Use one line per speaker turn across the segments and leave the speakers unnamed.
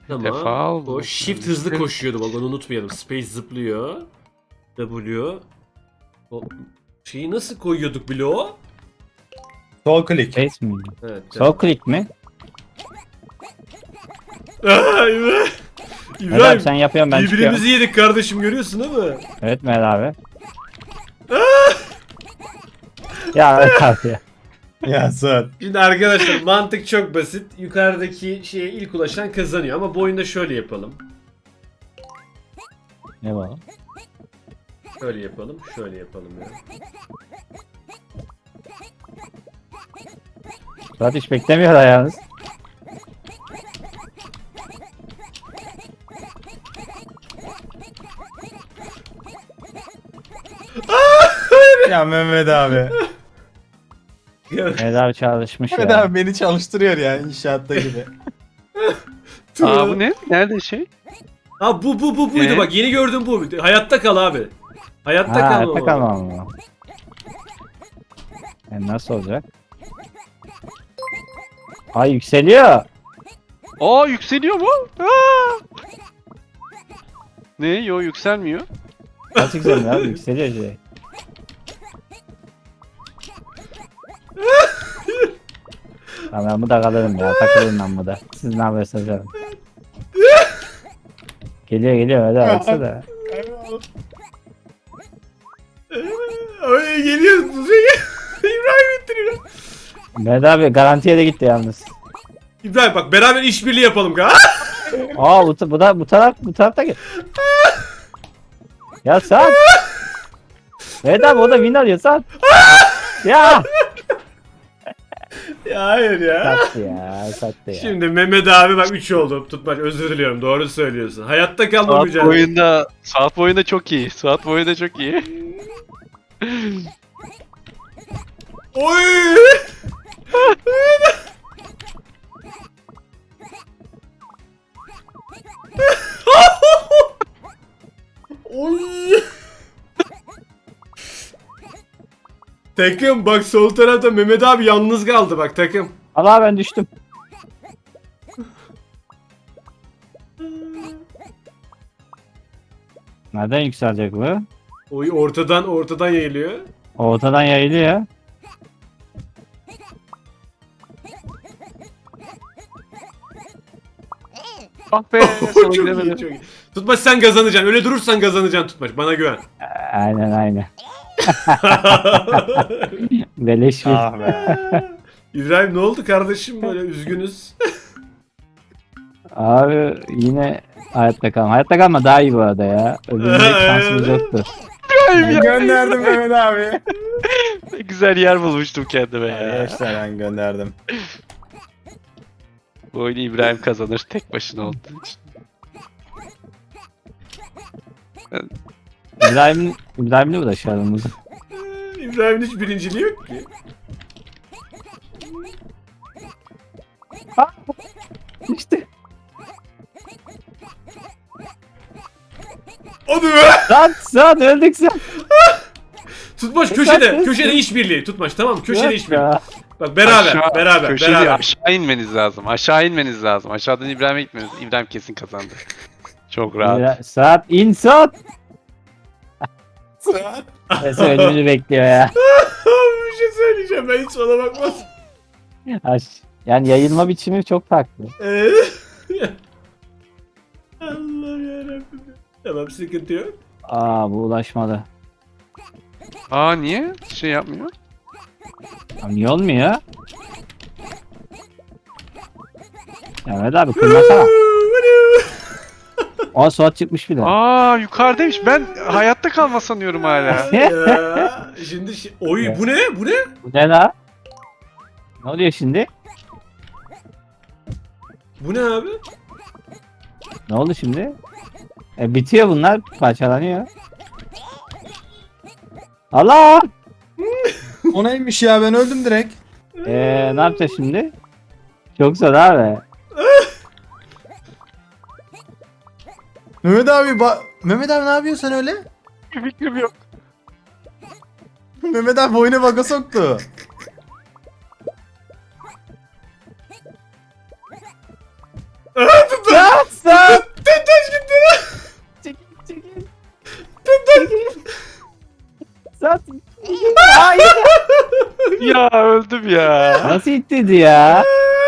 Tamam.
Defa oldu.
O shift hızlı koşuyordu, bak onu unutmayalım. Space zıplıyor. W. O şeyi nasıl koyuyorduk bloğu?
Sol klik.
Space mi?
Evet.
Sol click mi?
Aa, İbrahim.
Mehmet abi
İbrahim.
sen yapıyorsun ben çıkıyorum.
Birbirimizi yedik kardeşim, görüyorsun değil mi?
Evet Mehmet abi. Ya Mehmet abi ya.
Ya Suat.
Şimdi arkadaşlar mantık çok basit. Yukarıdaki şeye ilk ulaşan kazanıyor ama bu oyunda şöyle yapalım.
Ne var?
Şöyle yapalım, şöyle yapalım ya.
Suat hiç beklemiyor da yalnız.
Ya Mehmet abi.
Mehmet abi çalışmış
Mehmet
ya.
abi beni çalıştırıyor ya inşaatta gibi.
Aa bu ne? Nerede şey?
Ha buydu bak, yeni gördüğüm bu. Hayatta kal abi. Hayatta
Ha,
kalma.
hayatta
baba.
kalmam mı? Yani nasıl olacak? Ay yükseliyor.
Aa yükseliyor mu? Aa! Ne? Yo yükselmiyor.
Nasıl yükseliyor abi? Yükseliyor şey. Tamam ben bu da kalırım ya. Takılırım ben bu da. Siz ne yapıyorsunuz canım? Geliyor öyle baksana.
Ay geliyor. İbrahim ittiriyor.
Mehmet abi garantiye de gitti yalnız.
İbrahim bak, beraber işbirliği yapalım ka.
Aa bu tarafta gel. Ya Saat. Mehmet abi o da win alıyor Saat. Ya.
Ya hayır ya.
Sattı ya.
Şimdi Mehmet abi bak 3 oldu. Tutmaç, özür diliyorum, doğru söylüyorsun. Hayatta kalma
Saat
mücadelesi.
boyunda, saat boyunda çok iyi. Saat boyunda çok iyi.
Oy! Oy! Takım bak, sol tarafta Mehmet abi yalnız kaldı bak takım.
Allah ben düştüm. Nereden yükselecek bu?
Oy, ortadan yayılıyor.
Ortadan yayılıyor.
Ah be
Çok
sana
iyi,
gidemedim.
çok iyi. Tutmaç sen kazanacaksın. Öyle durursan kazanacaksın Tutmaç. Bana güven.
Aynen. Beleş bir.
Ah be.
İbrahim ne oldu kardeşim, böyle üzgünüz.
Abi yine hayatta kalma. Hayatta kalma daha iyi bu arada ya. Öbüründe şansımız yoktu.
Ben gönderdim Mehmet abi.
Ne güzel yer bulmuştum kendime ya.
Arkadaşlar ben gönderdim.
Bu oyunu İbrahim kazanır tek başına olduğu için.
İbrahim'le uğraşalım.
İbrahim'in hiç birinciliği yok ki.
İşte.
Hadi be!
Saat öldük sen.
Tutmaç
Sen
köşede.
sensin.
Köşede işbirliği. Tutmaç tamam, köşede
Yok
işbirliği.
ya.
Bak beraber.
Aşağı-
beraber.
köşede
beraber.
aşağı inmeniz lazım. Aşağı inmeniz lazım. Aşağıdan İbrahim'e gitmeniz. İbrahim kesin kazandı. Çok rahat.
Saat in saat.
Suat.
Neyse ölümünü bekliyor ya.
Bir şey söyleyeceğim, ben hiç ona bakmaz.
Yani yayılma biçimi çok farklı.
Allah yarabbim. Tamam, sıkıntı yok.
Aa bu ulaşmadı.
Aa niye? Şey yapmıyor.
Ya niye olmuyor? Ya Mehmet abi kırmasana. O Suat çıkmış bile.
Aa yukarıdaymış. Ben hayatta kalma sanıyorum hala.
Ya, şimdi oy bu ne? Bu ne?
Bu ne la? Ne oluyor şimdi?
Bu ne abi?
Ne oldu şimdi? Bitiyor bunlar. Parçalanıyor. Allah!
O neymiş ya, ben öldüm direkt.
Ne yapacağız şimdi? Çok zor abi.
Mehmet abi Mehmet abi ne yapıyorsun öyle?
Fikrim yok.
Mehmet abi oyuna baka soktu.
Suat! Nasıl ittirdi ya?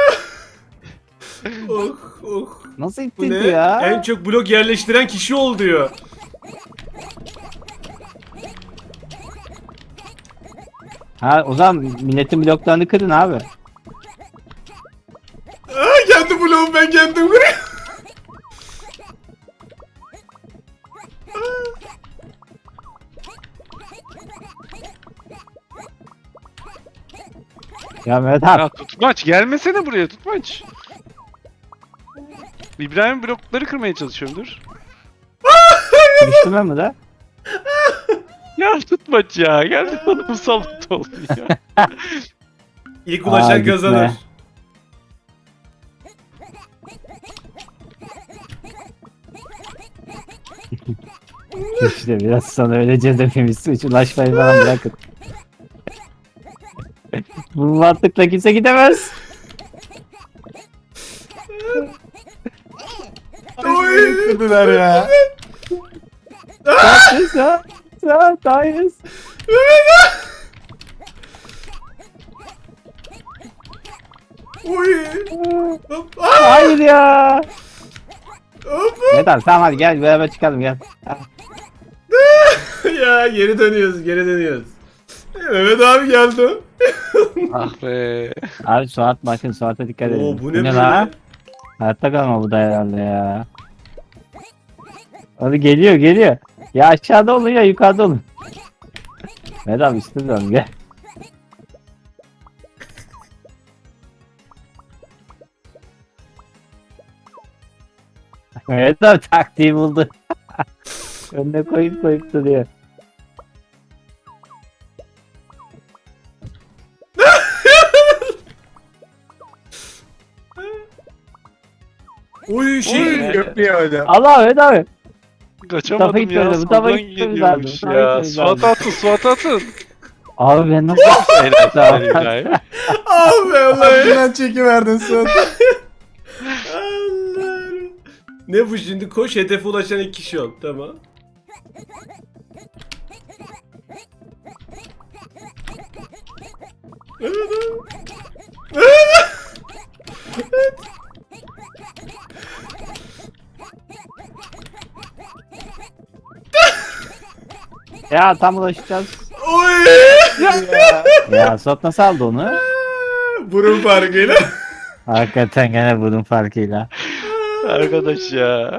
Oh oh.
Nasıl
Bu ne?
ittirdi ya?
En çok blok yerleştiren kişi ol diyor.
Ha o zaman milletin bloklarını kırın abi.
Aa, kendi bloğum ben kendim kırıyorum.
Ya Mehmet abi.
Ya tutmaç gelmesene buraya tutmaç. İbrahim blokları kırmaya çalışıyorum dur.
Kırıştırma mı da?
Ya tutmaç ya. Geldi bana musallat oldu ya.
İlk ulaşan
Aa, gitme.
kazanır.
İşte biraz sonra öleceğiz hepimiz. Hiç ulaşmayı falan bırakın. Bu mantıkla kimse gidemez.
Oy.
Kırdılar ya.
Dayız.
Oy. Hop. Aa,
Hayır ya.
hop.
Evet abi tamam hadi gel beraber çıkalım gel.
Ya geri dönüyoruz, geri dönüyoruz. Mehmet abi geldi.
Ah be.
Abi Suat bakın Suat'a dikkat edin.
Oo, bu ne
la?
böyle?
Hayatta kalma bu da herhalde ya. Hadi geliyor. Ya aşağıda olun ya yukarıda olun. Mehmet abi üstüne dön gel. Mehmet abi taktiği buldu. Önüne koyup duruyor.
Oy şey.
Yapıyor hocam.
Allah Mehmet abi.
Kaçamadım
Tarafa
ya.
gitmedi, bu tarafa
Soldan
gitmemiz
geliyormuş
lazım, bu
ya.
tarafa gitmemiz
Suat atın Suat atın.
Abi ben nasıl
Helal
Tamam.
sana İbrahim.
Abi Allah'ım.
Aklından çekiverdin Suat.
Allah'ım. Ne bu şimdi? Koş hedefe ulaşan iki kişi ol. Tamam.
Ya tam ulaşacağız.
Oy.
Ya Suat nasıl aldı onu?
Burun farkıyla.
Hakikaten gene bunun farkıyla.
Arkadaş ya.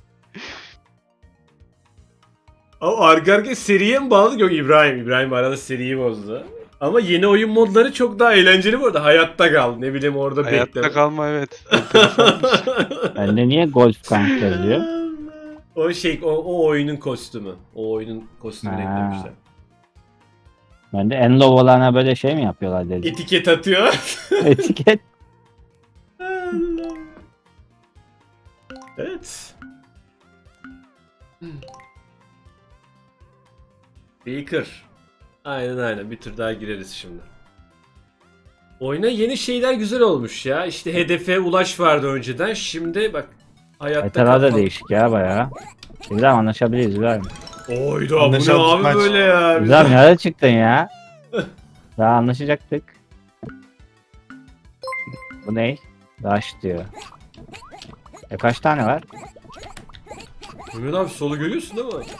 Ama arka arkaya seriye mi bağladık? Yok İbrahim. İbrahim arada seriyi bozdu. Ama yeni oyun modları çok daha eğlenceli bu arada. Hayatta kal. Ne bileyim orada
Hayatta
bekle.
kalma evet.
Bende niye golf kanka yazıyor?
O şey o oyunun kostümü. O oyunun kostümünü
Ha.
eklemişler.
Bende en low olana böyle şey mi yapıyorlar dedi.
Etiket atıyor.
Etiket.
Evet. Baker. Aynen bir tur daha gireriz şimdi. Oyuna yeni şeyler güzel olmuş ya. İşte hedefe ulaş vardı önceden. Şimdi bak hayatta
Haritalar da
kal-
değişik ya baya. İbrahim anlaşabiliriz İbrahim.
Oyda bu ne
Anlaşalım,
abi
maç.
böyle ya.
İbrahim nerede çıktın ya? Daha anlaşacaktık. Bu ne? Rush diyor. Kaç tane var?
Mehmet abi solu görüyorsun değil mi?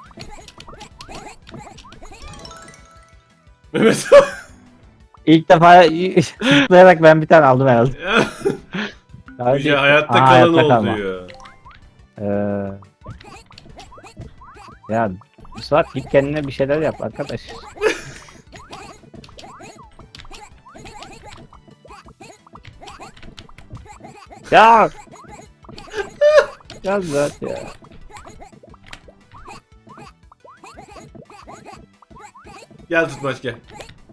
Mehmet abi.
İlk defa zıplayarak ben bir tane aldım herhalde. Daha
Yüce
değil.
hayatta
Aa,
kalan
hayatta
ol
kalma.
diyor.
Ya Suat git kendine bir şeyler yap arkadaş. Ya! Ya Suat ya.
Gel tutmaç gel.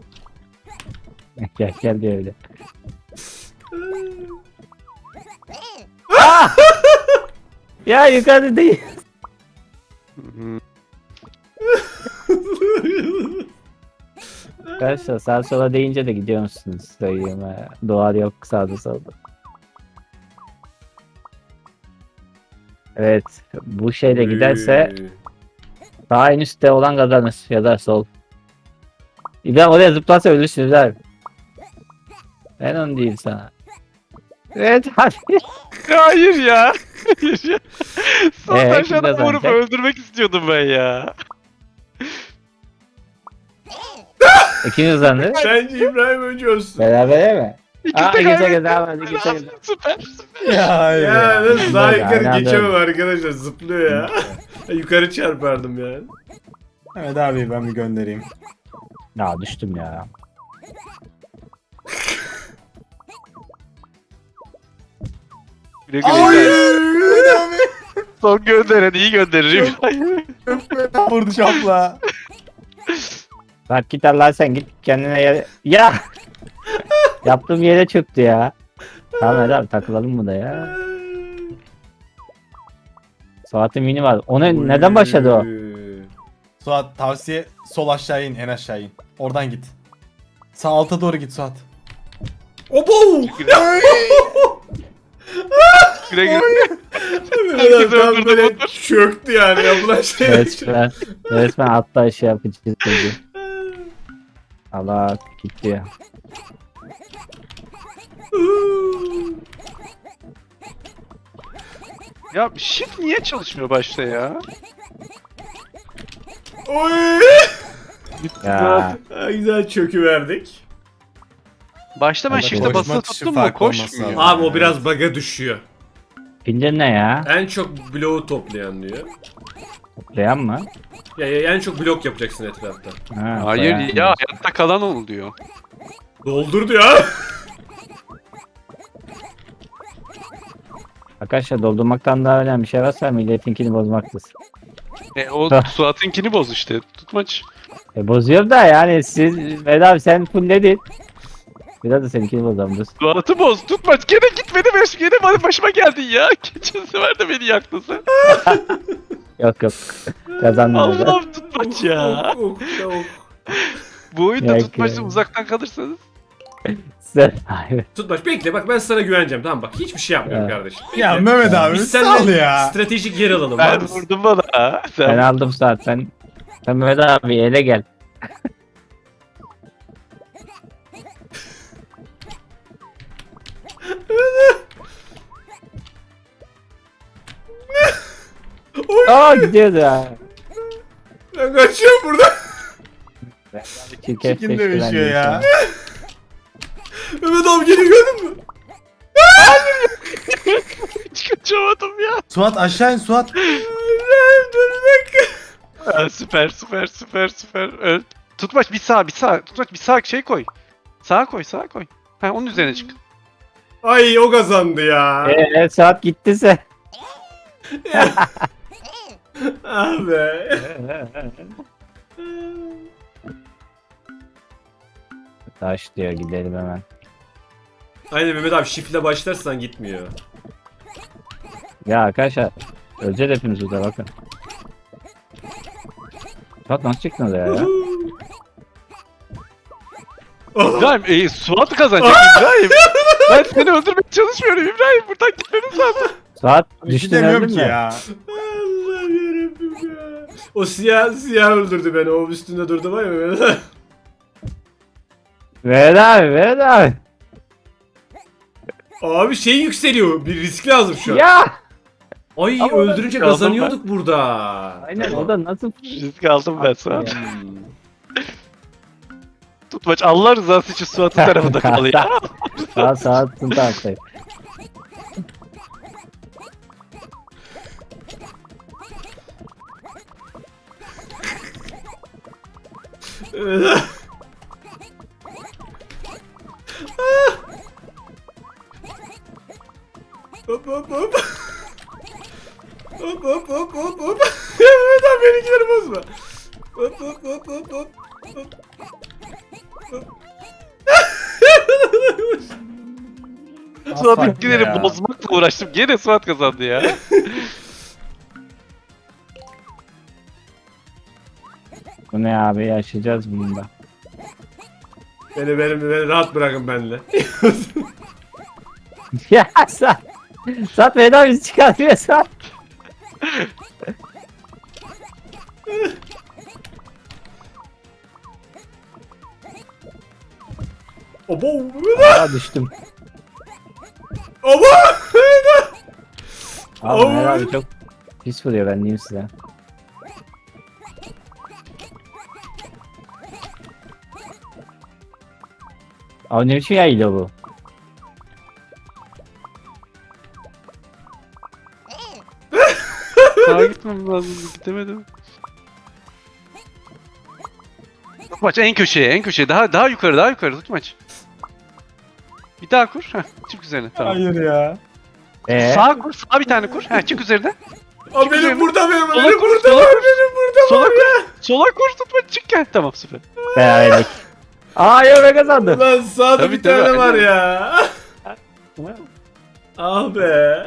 Gel diyor öyle. Ah! Ya yukarıda değil. Arkadaşlar sağa sola deyince de gidiyor musunuz? Söyleyeyim ha. Doğal yok sağda solda. Evet. Bu şeyle giderse sağ en üstte olan kazanır. Ya da sol. İbrahim oraya zıplarsa ölürsünüz abi. Ben onu değil sana. Evet hadi.
Hayır ya. Hayır ya. Son
kim
aşağıdan vurup
kazanacak?
öldürmek istiyordum ben ya.
Kim kazandı?
Bence İbrahim önce ölsün.
Beraber mi?
İkisi
Aa
de
ikisi
kaybetti.
kazandı. İkisi kazandı.
Süper.
Ya hayır
Ya
ya.
nasıl daha
Hadi,
yukarı
hadi,
geçemem arkadaşlar, zıplıyor ya. Yukarı çarpardım yani.
Evet abi ben bir göndereyim.
Ya düştüm ya.
Güle güle.
Hayır abi.
Son gönderen iyi gönderirim.
Çok fena vurdu şapla.
Bak git Allah sen git kendine yere. Ya! Yaptığım yere çöktü ya. Tamam hadi abi takılalım mı da ya. Saatin mini var. Neden başladı o?
Suat tavsiye sol aşağı in en aşağı in. Oradan git. Sağ alta doğru git Suat.
Obo!
Güle güle.
Mehmet abi tam böyle çöktü yani yapılan şey.
Resmen hatta şey yapıcı dedi. Allah gitti ya.
Ya shift niye çalışmıyor başta ya?
Oy!
Ya.
Ha, güzel çöküverdik.
Başta ben
Hadi
shift'e
koşma
basılı
tuşu
tuttum mu
farklı olması
koşmuyor.
lazım.
Abi o biraz bug'a düşüyor.
Pince ne ya?
En çok bloğu toplayan diyor.
Toplayan mı?
Ya en çok blok yapacaksın etrafta.
Ha,
Hayır
toplayan.
ya hayatta kalan oluyor.
Doldur diyor.
Arkadaşlar doldurmaktan daha önemli bir şey varsa milletinkini bozmaktır.
O Suat'ınkini boz işte. Tutmaç.
Bozuyor da yani siz Vedat abi sen fullledin. Biraz da seninkini bozalım.
Suat'ı boz. Tutmaç. Gene gitmedi. Gene bana başıma geldin ya. Geçen sefer de beni yaktın sen.
Yok yok. Kazanmadı.
Allah'ım tutmaç ya. Bu oyunda
Ya,
tutmaçla
ya.
uzaktan kalırsanız.
Sen... Hayır.
Tutmaç bekle, bak ben sana güveneceğim, tamam bak hiçbir şey yapmıyorum
Evet.
kardeşim. Bekle.
Ya Mehmet abi
Biz
sal
seninle
ya.
stratejik yer alalım. var
Ben
mısın?
vurdum bana.
Ben
Sen
aldım saat. Sen Mehmet abi ele gel. Aa gidiyordu ya.
Ben kaçıyorum buradan.
Çirkef
Çirkin dövüşüyor ya.
Mehmet abi geliyor, gördün mü?
hiç kaçamadım ya.
Suat aşağı in Suat.
Dur bir dakika.
Süper. Tutmaç bir sağ. Tutmaç bir sağ şey koy. Sağa koy. Ha onun üzerine çık.
Ay o kazandı ya.
Saat gitti sen.
Abi.
Taş diyor gidelim hemen.
Aynen Mehmet abi, shift'le başlarsan gitmiyor.
Ya arkadaşlar öleceğiz hepimiz burada bakın. Saat nasıl çıktınız ya?
İbrahim Suat kazanacak İbrahim. Ben seni öldürmeye çalışmıyorum İbrahim. Buradan gitmemiz lazım.
Saat
Bir şey
düştün
demiyorum
öldün
ki
mü?
ya.
Allah'ım yarabbim ya. O siyah öldürdü beni. O üstünde durdu var ya Mehmet abi.
Ver abi.
Abi şey yükseliyor. Bir risk lazım şu an.
Ya.
Ay
Ama
öldürünce
ben-
kazanıyorduk burada.
Aynen o da nasıl?
Risk aldım ben Suat.
Hmm.
Tutmaç Allah rızası için Suat'ın tarafında kal ya.
Saat taraftayım.
Hop hop hop. Hop. Ya Mehmet abi benimkileri bozma. Hop.
Suat'ınkileri bozmakla uğraştım. Gene Suat kazandı ya.
Bu ne abi yaşayacağız bunda.
Beni rahat bırakın benimle.
Ya saat Vedat bizi çıkartıyor saat.
Abo.
Aa düştüm.
Abo.
Abi
Oy.
Mehmet abi çok pis vuruyor ben diyeyim size. Abi ne biçim yaylı bu?
Sağa gitmem lazım. Gidemedim. Tutmaç en köşeye, en köşeye. Daha yukarı, daha yukarı tutmaç. Bir daha kur. Heh, çık üzerine. Tamam.
Hayır ya.
Sağa kur, sağa bir tane kur. Heh, çık üzerine.
Abi benim burada benim.
Sola
Benim
kur,
burada
sola
var.
kur.
Benim burada
Sola
var.
kur. Sola kur tutmaç çık gel. Tamam süper.
Beraberlik. Aa yok ben kazandım.
Ulan sağda
Tabii,
bir tane
tabii,
var
aynen.
ya. Ah be.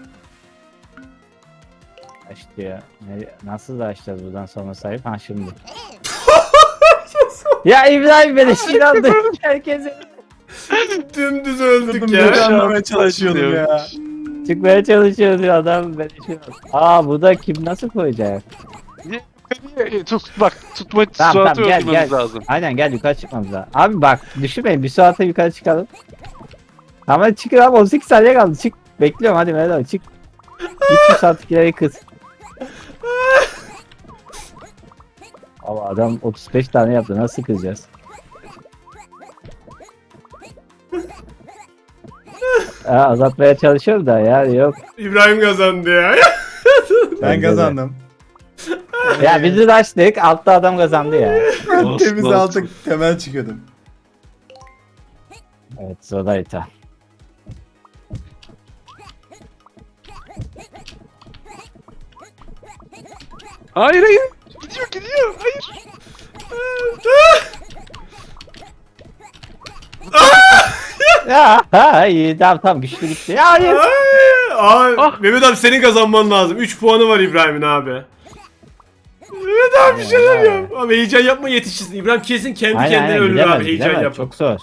İşte ya. Nasıl da açacağız buradan sonra sahip? Ha şimdi. Ya İbrahim beni inandı. Herkese
Dümdüz öldük
Durdum
ya.
böyle anlamaya çalışıyordum ya.
çıkmaya çalışıyor diyor adam beni inandı. Aa bu da kim nasıl koyacak?
Bak tutmaç
Tamam
Suat'ı
tamam gel
öldürmemiz
gel.
lazım.
Aynen gel yukarı çıkmamız lazım. Abi bak düşünmeyin bir saate yukarı çıkalım. Ama çıkın abi 18 saniye kaldı çık. Bekliyorum hadi Mehmet abi çık. Git şu saatlikleri kız. Ama adam 35 tane yaptı nasıl kızacağız? Azaltmaya çalışıyorum da ya yok.
İbrahim kazandı ya.
Ben
Bence de.
kazandım.
Ya bizi de açtık altta adam kazandı ya.
Olsun,
Temiz
olsun.
altık temel çıkıyordum.
Evet Zodayta.
Hayır hayır. Gidiyor gidiyor. Hayır.
Ya ha iyi tamam güçlü gitti. Ya hayır.
Abi
Ah.
Mehmet abi senin kazanman lazım. 3 puanı var İbrahim'in abi. Mehmet abi bir şeyler yap. Abi heyecan yapma yetişirsin. İbrahim kesin kendi kendine ölür
gidemez,
abi heyecan
gidemez.
yap.
Çok zor.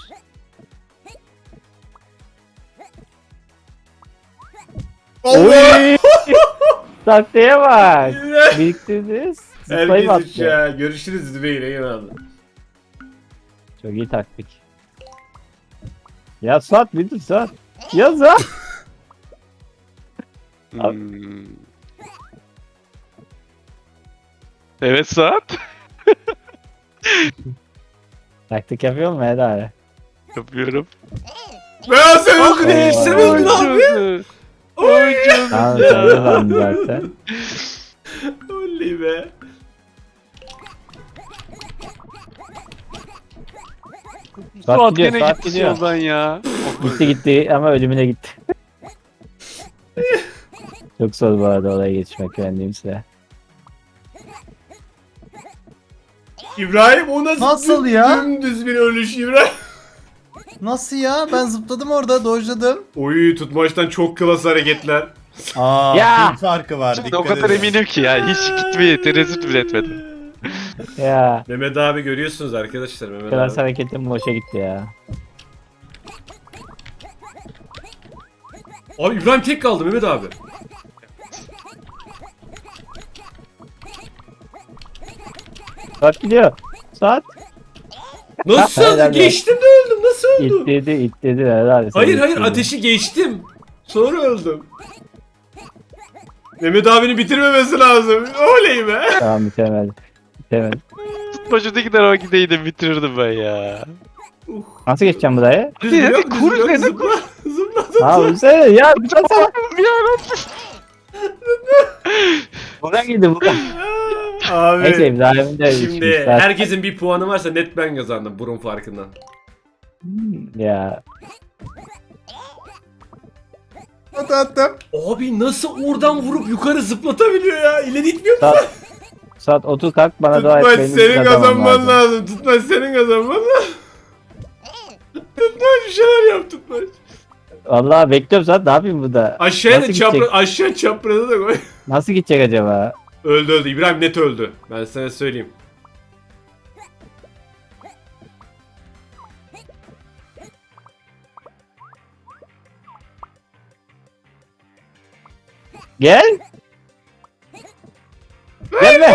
Allah!
Oy! Taktiğe bak.
İbrahim.
Biriktirdiniz. Zıplayıp
Herkes üç
attı.
ya. Görüşürüz Zübeyir abi.
Çok iyi taktik. Ya Suat bir dur Suat. Ya Suat.
Hmm. Evet Suat.
Taktik yapıyor mu Eda abi?
Yapıyorum.
Ben sen öldün
Ah.
sen öldün abi.
Oy canım
Tamam
ya.
sen de ben zaten.
Oley be.
Suat
gidiyor,
gene
Suat
gitti
gidiyor.
yoldan ya.
Gitti ama ölümüne gitti. Çok zor bu arada oraya geçmek ben diyeyim size.
İbrahim o
Nasıl ya?
Dümdüz bir ölüş İbrahim.
Nasıl ya? Ben zıpladım orada, dojladım.
Oy tutmaçtan çok klas hareketler.
Aa,
Ya!
pil farkı var.
Şimdi
Dikkat
o kadar
edin.
eminim ki ya. Hiç gitmeye tereddüt bile etmedim.
Ya.
Mehmet abi görüyorsunuz arkadaşlar Mehmet
Klas
abi.
hareketim boşa gitti ya.
Abi İbrahim tek kaldı Mehmet abi.
Suat gidiyor. Suat.
Nasıl?
Helal be.
Geçtim de öldüm. Nasıl öldüm?
İtledi herhalde.
Hayır hayır ateşi geçtim. Sonra öldüm. Mehmet abinin bitirmemesi lazım. Oley be.
Tamam bitemedi. Bitemedi.
Tutmacıdaki tarafa gideydim bitirirdim ben ya.
Nasıl geçeceğim buraya?
Hadi, hadi, kur üzerine,
zıpla. Zıpla.
Aa üzerine ya. Zıplasana.
Ya
Buradan gidin buradan.
Abi.
Neyse İbrahim de
Şimdi
içmiş zaten.
herkesin bir puanı varsa net ben kazandım burun farkından.
Ya.
Attım.
Abi nasıl oradan vurup yukarı zıplatabiliyor ya? İleri gitmiyor mu?
Saat 30 kalk bana dua et.
Tutmaç
benim
senin
kazanmam
kazanman lazım. Tutmaç senin kazanman lazım. Tutmaç bir şeyler yap Tutmaç.
Vallahi bekliyorum saat ne yapayım burada?
Aşağıya da
Nasıl gidecek?
aşağı çaprazı da koy.
Nasıl gidecek acaba?
Öldü. İbrahim net öldü. Ben sana söyleyeyim.
Gel. Gelme.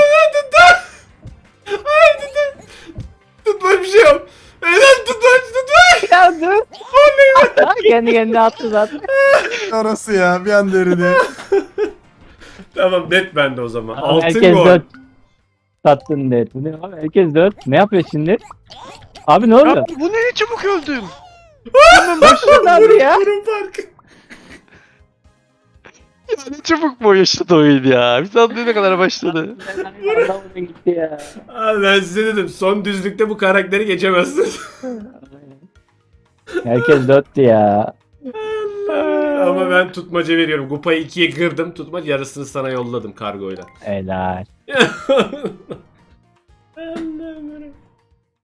Tutmaç bir şey yap. Helal Tutmaç.
Ya Kendi kendine attı zaten.
Orası ya bir anda eridi.
Tamam net bende o zaman.
Abi
Altın
herkes
gol.
4 sattın net. Bu ne abi? Herkes 4. Ne yapıyor şimdi? Abi ne
Ya
oldu?
bu ne çabuk öldüm.
Başladı abi ya.
Burun farkı.
Ya ne çabuk bu yaşadı oyun ya. Bir sandığına kadar başladı.
Adam gitti ya.
Abi ben size dedim son düzlükte bu karakteri geçemezsiniz.
Herkes 4'tü ya.
Ama ben tutmaca veriyorum. Kupayı 2'ye kırdım. Tutmaca yarısını sana yolladım kargoyla.
Helal.